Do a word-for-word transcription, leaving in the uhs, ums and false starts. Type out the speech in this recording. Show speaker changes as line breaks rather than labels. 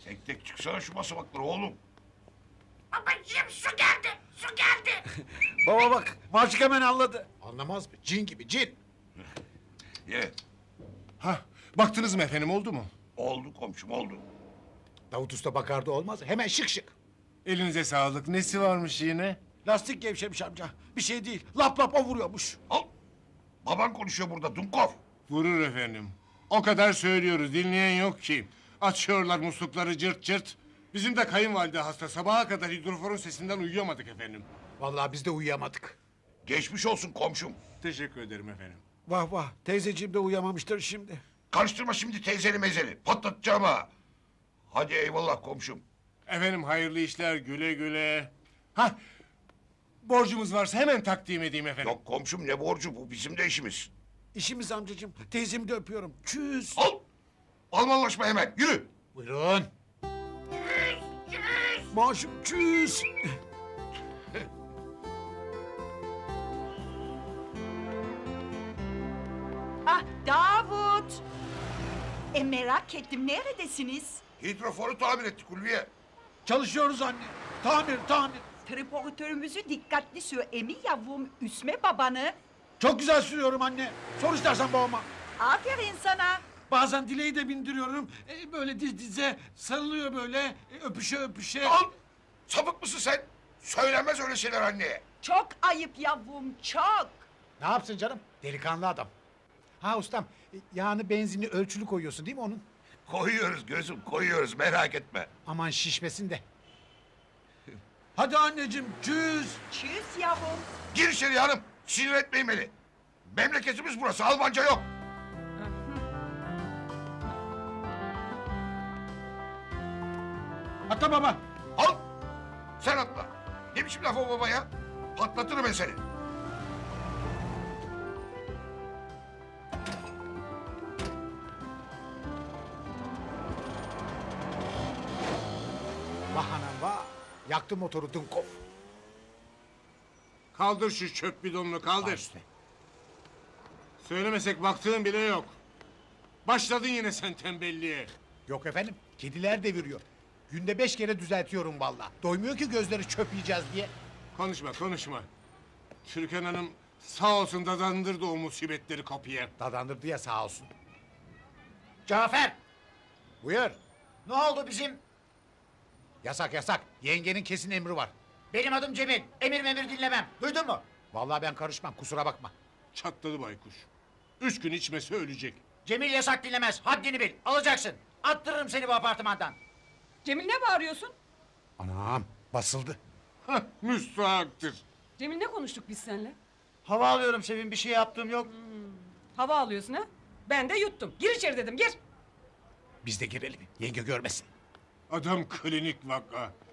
Tek tek çıksana şu basamakları oğlum.
Babacığım su geldi, su geldi.
Baba bak, Maşuk hemen anladı.
Anlamaz mı? Cin gibi cin.
Ye.
Hah, baktınız mı efendim, oldu mu?
Oldu komşum oldu.
Davut Usta bakardı olmaz. Hemen şık şık.
Elinize sağlık. Nesi varmış yine?
Lastik gevşemiş amca. Bir şey değil. Lap lap o vuruyormuş.
Al. Baban konuşuyor burada Dunkov.
Vurur efendim. O kadar söylüyoruz, dinleyen yok ki. Açıyorlar muslukları cırt cırt. Bizim de kayınvalide hasta. Sabaha kadar hidroforun sesinden uyuyamadık efendim.
Vallahi biz de uyuyamadık.
Geçmiş olsun komşum.
Teşekkür ederim efendim.
Vah vah, teyzeciğim de uyuyamamıştır şimdi.
Karıştırma şimdi teyzeli mezeli. Patlatacağım ha. Hadi eyvallah komşum.
Efendim hayırlı işler, güle güle. Hah, borcumuz varsa hemen takdim edeyim efendim.
Yok komşum ne borcu bu bizim de işimiz.
İşimiz amcacığım. Teyzemi de öpüyorum. Çüz.
Al. Almanlaşma hemen yürü.
Buyurun.
Maşuk çüz.
Ah Davut. E merak ettim neredesiniz?
Hidroforu tamir ettik Ulviye.
Çalışıyoruz anne. Tamir, tamir.
Triportörümüzü dikkatli sür emi yavrum üsme babanı.
Çok güzel sürüyorum anne. Sor istersen babama.
Aferin sana.
Bazen dileği de bindiriyorum. E, böyle diz dize sarılıyor böyle. E, öpüşe öpüşe.
Al. Sapık mısın sen? Söylenmez öyle şeyler anneye.
Çok ayıp yavrum çok.
Ne yapsın canım? Delikanlı adam. Ha ustam, e, yağını benzinli ölçülü koyuyorsun değil mi onun?
Koyuyoruz gözüm koyuyoruz merak etme.
Aman şişmesin de.
Hadi anneciğim çüz.
Tschüss yavrum.
Gir içeri hanım. Sinir etmeyin beni. Memleketimiz burası Almanca yok.
Hatta baba.
Al. Sen atla. Ne biçim laf o baba ya? Patlatırım ben seni.
Vah anam vah. Yaktı motoru Dunkov.
Kaldır şu çöp bidonunu, kaldır.
Baş üstüne.
Söylemesek baktığın bile yok. Başladın yine sen tembelliğe.
Yok efendim, kediler deviriyor. Günde beş kere düzeltiyorum vallahi. Doymuyor ki gözleri çöp yiyeceğiz diye.
Konuşma, konuşma. Türkan Hanım sağ olsun dadandırdı o musibetleri kapıya.
Dadandırdı ya sağ olsun. Cafer! Buyur.
Ne oldu bizim?
Yasak yasak. Yengenin kesin emri var.
Benim adım Cemil. Emir memir dinlemem. Duydun mu?
Vallahi ben karışmam, kusura bakma.
Çatladı baykuş. Üç gün içmese ölecek.
Cemil yasak dinlemez. Haddini bil. Alacaksın. Attırırım seni bu apartmandan.
Cemil ne bağırıyorsun?
Anam, basıldı.
Hah, müstahaktır.
Cemil ne konuştuk biz seninle?
Hava alıyorum Sevim. Bir şey yaptığım yok.
Hava alıyorsun ha? Ben de yuttum. Gir içeri dedim gir.
Biz de girelim, yenge görmesin.
Adam klinik vaka.